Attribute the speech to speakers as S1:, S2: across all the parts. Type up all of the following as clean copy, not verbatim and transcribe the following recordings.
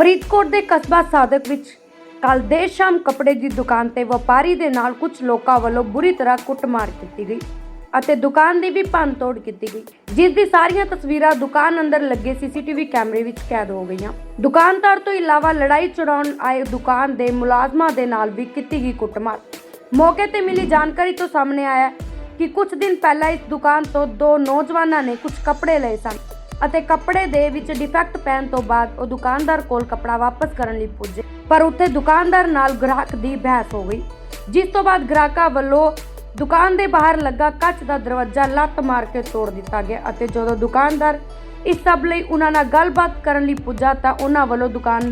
S1: ਫਰੀਦਕੋਟ ਦੇ ਕਸਬਾ ਸਾਦਕ ਵਿੱਚ ਕੱਲ੍ਹ ਦੇਰ ਸ਼ਾਮ ਕੱਪੜੇ ਦੀ ਦੁਕਾਨ ਤੇ ਵਪਾਰੀ ਦੇ ਨਾਲ ਕੁਝ ਲੋਕਾਂ ਵੱਲੋਂ ਬੁਰੀ ਤਰ੍ਹਾਂ ਕੁੱਟਮਾਰ ਕੀਤੀ ਗਈ ਅਤੇ ਦੁਕਾਨ ਦੀ ਵੀ ਭੰਨਤੋੜ ਕੀਤੀ ਗਈ, ਜਿਸ ਦੀ ਸਾਰੀਆਂ ਤਸਵੀਰਾਂ ਦੁਕਾਨ ਅੰਦਰ ਲੱਗੇ ਸੀਸੀਟੀਵੀ ਕੈਮਰੇ ਵਿੱਚ ਕੈਦ ਹੋ ਗਈਆਂ। ਦੁਕਾਨਦਾਰ ਤੋਂ ਇਲਾਵਾ ਲੜਾਈ ਛਡਾਉਣ ਆਏ ਦੁਕਾਨ ਦੇ ਮੁਲਾਜ਼ਮਾਂ ਦੇ ਨਾਲ ਵੀ ਕੀਤੀ ਗਈ ਕੁੱਟਮਾਰ। ਮੌਕੇ ਤੇ ਮਿਲੀ ਜਾਣਕਾਰੀ ਤੋਂ ਸਾਹਮਣੇ ਆਇਆ ਕਿ ਕੁਝ ਦਿਨ ਪਹਿਲਾਂ ਇਸ ਦੁਕਾਨ ਤੋਂ ਦੋ ਨੌਜਵਾਨਾਂ ਨੇ ਕੁਝ ਕੱਪੜੇ ਲਏ ਸਨ ਅਤੇ ਕੱਪੜੇ ਦੇ ਵਿੱਚ ਡਿਫੈਕਟ ਪੈਣ ਤੋਂ ਬਾਅਦ ਉਹ ਦੁਕਾਨਦਾਰ ਕੋਲ ਕੱਪੜਾ ਵਾਪਸ ਕਰਨ ਲਈ ਪੁੱਜੇ, ਪਰ ਉੱਥੇ ਦੁਕਾਨਦਾਰ ਨਾਲ ਗ੍ਰਾਹਕ ਦੀ ਬਹਿਸ ਹੋ ਗਈ, ਜਿਸ ਤੋਂ ਬਾਅਦ ਗ੍ਰਾਹਕਾਂ ਵੱਲੋਂ ਦੁਕਾਨ ਦੇ ਬਾਹਰ ਲੱਗਾ ਕੱਚ ਦਾ ਦਰਵਾਜ਼ਾ ਲੱਤ ਮਾਰ ਕੇ ਤੋੜ ਦਿੱਤਾ ਗਿਆ ਅਤੇ ਜਦੋਂ ਦੁਕਾਨਦਾਰ ਇਸ ਸਭ ਲਈ ਉਹਨਾਂ ਨਾਲ ਗੱਲਬਾਤ ਕਰਨ ਲਈ ਪੁੱਜਾ ਤਾਂ ਉਹਨਾਂ ਵੱਲੋਂ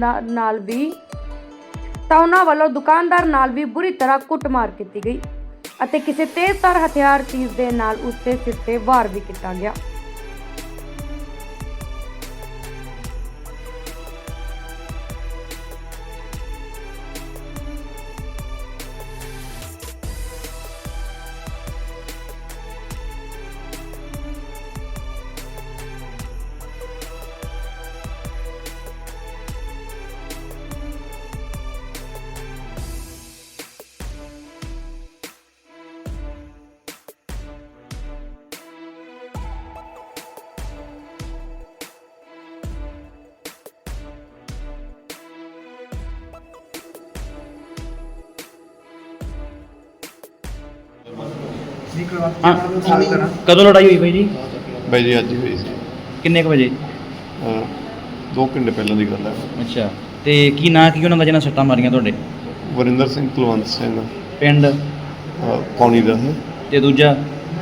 S1: ਦੁਕਾਨਦਾਰ ਨਾਲ ਵੀ ਬੁਰੀ ਤਰ੍ਹਾਂ ਕੁੱਟਮਾਰ ਕੀਤੀ ਗਈ ਅਤੇ ਕਿਸੇ ਤੇਜ਼ਧਾਰ ਹਥਿਆਰ ਚੀਜ਼ ਦੇ ਨਾਲ ਉਸ ਦੇ ਸਿਰ ਤੇ ਵਾਰ ਵੀ ਕੀਤਾ ਗਿਆ।
S2: ਕਦੋਂ ਲੜਾਈ ਹੋਈ ਬਾਈ ਜੀ?
S3: ਬਾਈ ਜੀ ਅੱਜ ਹੀ ਹੋਈ ਸੀ।
S2: ਕਿੰਨੇ ਕੁ ਵਜੇ?
S3: 2 ਘੰਟੇ ਪਹਿਲਾਂ ਦੀ ਗੱਲ ਹੈ।
S2: ਅੱਛਾ, ਤੇ ਕੀ ਨਾਂ ਕੀ ਉਹਨਾਂ ਦਾ ਜਿਹਨਾਂ ਸੱਟਾਂ ਮਾਰੀਆਂ ਤੁਹਾਡੇ?
S3: ਵਰਿੰਦਰ ਸਿੰਘ, ਕੁਲਵੰਤ ਸਿੰਘ,
S2: ਪਿੰਡ
S3: ਪੌਣੀ ਦਾ ਹੈ।
S2: ਤੇ ਦੂਜਾ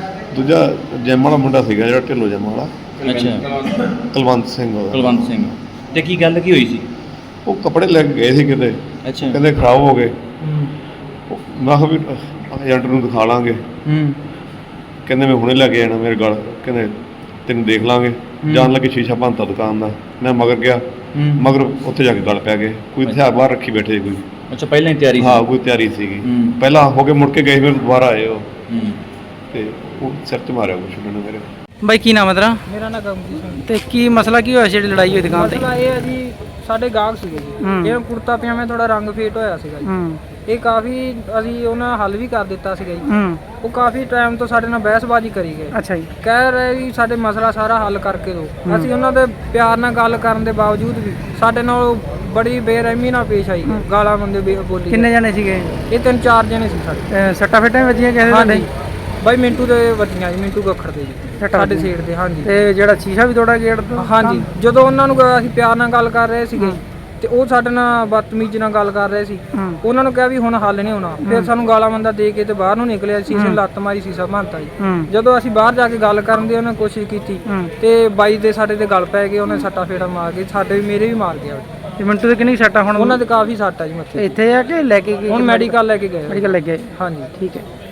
S3: ਜੈਮ ਵਾਲਾ ਮੁੰਡਾ ਸੀਗਾ ਜਿਹੜਾ ਢਿੱਲੋਂ ਜੈਮ ਵਾਲਾ।
S2: ਅੱਛਾ,
S3: ਕੁਲਵੰਤ ਸਿੰਘ ਉਹਦਾ।
S2: ਕੁਲਵੰਤ ਸਿੰਘ। ਤੇ ਕੀ ਗੱਲ ਕੀ ਹੋਈ ਸੀ?
S3: ਉਹ ਕੱਪੜੇ ਲੈ ਕੇ ਗਏ ਸੀ ਕਿਤੇ,
S2: ਅੱਛਾ,
S3: ਕਹਿੰਦੇ ਖਰਾਬ ਹੋ ਗਏ। ਮੈਂ ਕਿਹਾ ਵੀ ਏਜੰਟ ਨੂੰ ਦਿਖਾ ਲਾਂਗੇ। ਕਹਿੰਦੇ ਮੈਂ ਹੁਣੇ ਲੈ ਕੇ ਜਾਣਾ ਮੇਰੇ ਗਲ, ਕਹਿੰਦੇ ਤੈਨੂੰ ਦੇਖ ਲਾਂਗੇ। ਜਾਣ ਲੱਗੇ ਸ਼ੀਸ਼ਾ ਭੰਨਤਾ ਦੁਕਾਨ ਦਾ। ਮੈਂ ਮਗਰ ਗਿਆ, ਮਗਰ ਉੱਥੇ ਜਾ ਕੇ ਗਲ ਪੈ ਗਏ। ਕੋਈ ਹਥਿਆਰ ਬਾਹਰ ਰੱਖੀ ਬੈਠੇ ਕੋਈ।
S2: ਅੱਛਾ, ਪਹਿਲਾਂ ਹੀ ਤਿਆਰੀ ਸੀ?
S3: ਹਾਂ, ਕੋਈ ਤਿਆਰੀ ਸੀਗੀ। ਪਹਿਲਾਂ ਹੋ ਕੇ ਮੁੜ ਕੇ ਗਏ, ਫਿਰ ਦੁਬਾਰਾ ਆਏ ਉਹ ਤੇ ਉਹ ਸਿਰ 'ਚ ਮਾਰਿਆ ਕੁਛ ਉਹਨਾਂ ਨੇ ਮੇਰੇ।
S4: ਬਾਈ ਕੀ ਨਾਮ ਹੈ ਤੇਰਾ?
S5: ਮੇਰਾ ਨਾਮ ਗਮਜੀਤ ਸਿੰਘ।
S4: ਤੇ ਕੀ ਮਸਲਾ ਕੀ ਹੋਇਆ ਜਿਹੜੀ ਲੜਾਈ ਹੋਈ ਦੁਕਾਨ ਤੇ?
S5: ਮਸਲਾ ਇਹ ਹੈ ਜੀ, ਸਾਡੇ ਗਾਹਕ ਸੀਗੇ ਜੀ, ਇਹ ਕੁੜਤਾ ਪਜਾਮਾ ਥੋੜਾ ਰੰਗ ਫੇਟ ਹੋਇਆ ਸੀਗਾ ਜੀ। ਇਹ ਕਾਫੀ ਅਸੀਂ ਉਹਨਾਂ ਹੱਲ ਵੀ ਕਰ ਦਿੱਤਾ ਸੀਗਾ ਜੀ। ਉਹ ਕਾਫੀ ਟਾਈਮ ਤੋਂ ਸਾਡੇ ਨਾਲ ਬਹਿਸਬਾਜ਼ੀ ਕਰੀ ਗਏ।
S4: ਅੱਛਾ ਜੀ।
S5: ਕਹਿ ਰਹੇ ਵੀ ਸਾਡੇ ਮਸਲਾ ਸਾਰਾ ਹੱਲ ਕਰਕੇ ਦਿਓ। ਅਸੀਂ ਉਹਨਾਂ ਦੇ ਪਿਆਰ ਨਾਲ ਗੱਲ ਕਰਨ ਦੇ ਬਾਵਜੂਦ ਵੀ ਸਾਡੇ ਨਾਲ ਬੜੀ ਬੇਰਹਿਮੀ ਨਾਲ ਪੇਸ਼ ਆਈ, ਗਾਲਾਂ ਬੰਦੇ ਬੋਲੀ।
S4: ਕਿੰਨੇ ਜਣੇ ਸੀਗੇ?
S5: ਇਹ 3-4 ਜਣੇ ਸੀ ਸਾਡੇ।
S4: ਸੱਟਾਂ ਫੇਟਾਂ ਵੀ ਵੱਜੀਆਂ ਕਿਸੇ ਦੇ?
S5: ਬਾਈ ਮਿੰਟੂ ਦੇ ਵੱਜੀਆਂ ਜੀ, ਮਿੰਟੂ ਗੱਖੜ ਦੇ ਜੀ, ਸਾਡੇ ਸੀਟ ਦੇ। ਹਾਂਜੀ।
S4: ਤੇ ਜਿਹੜਾ ਸ਼ੀਸ਼ਾ ਵੀ ਤੋੜਾ ਗੇਟ ਤੋਂ?
S5: ਹਾਂਜੀ। ਜਦੋਂ ਉਹਨਾਂ ਨੂੰ ਅਸੀਂ ਪਿਆਰ ਨਾਲ ਗੱਲ ਕਰ ਰਹੇ ਸੀਗੇ ਤੇ ਉਹ ਸਾਡੇ ਨਾਲ ਬਦਤਮੀਜ਼ੀ ਨਾਲ ਗੱਲ ਕਰ ਰਹੇ ਸੀ। ਉਹਨਾਂ ਨੂੰ ਕਿਹਾ ਵੀ ਹੁਣ ਹੱਲ ਨਹੀਂ ਹੋਣਾ। ਫਿਰ ਸਾਨੂੰ ਗਾਲਾਂ ਮੰਦਾ ਦੇ ਕੇ ਤੇ ਬਾਹਰ ਨੂੰ ਨਿਕਲਿਆ। ਸ਼ੀਸ਼ੇ ਲੱਤ ਮਾਰੀ, ਸ਼ੀਸ਼ਾ ਭੰਨਤਾ ਜੀ। ਜਦੋਂ ਅਸੀਂ ਬਾਹਰ ਜਾ ਕੇ ਗੱਲ ਕਰਨ ਦੀ ਉਹਨੇ ਕੋਸ਼ਿਸ਼ ਕੀਤੀ ਤੇ ਬਾਈ ਦੇ ਸਾਡੇ ਤੇ ਗੱਲ ਪੈ ਗਏ। ਉਹਨੇ ਸੱਟਾ ਫੇੜਾ ਮਾਰ ਕੇ ਸਾਡੇ ਵੀ, ਮੇਰੇ ਵੀ ਮਾਰ ਗਿਆ।
S4: ਤੇ ਮਿੰਟੂ ਦੇ ਕਿੰਨੀ ਸੱਟਾਂ ਹੁਣ?
S5: ਉਹਨਾਂ ਦੇ ਕਾਫੀ ਸੱਟ ਆ ਜੀ ਮੱਥੇ।
S4: ਇੱਥੇ ਆ ਕੇ ਲੈ ਕੇ ਗਏ?
S5: ਹੁਣ ਮੈਡੀਕਲ ਲੈ ਕੇ ਗਏ।
S4: ਮੈਡੀਕਲ ਲੈ ਕੇ?
S5: ਹਾਂਜੀ।
S4: ਠੀਕ ਹੈ।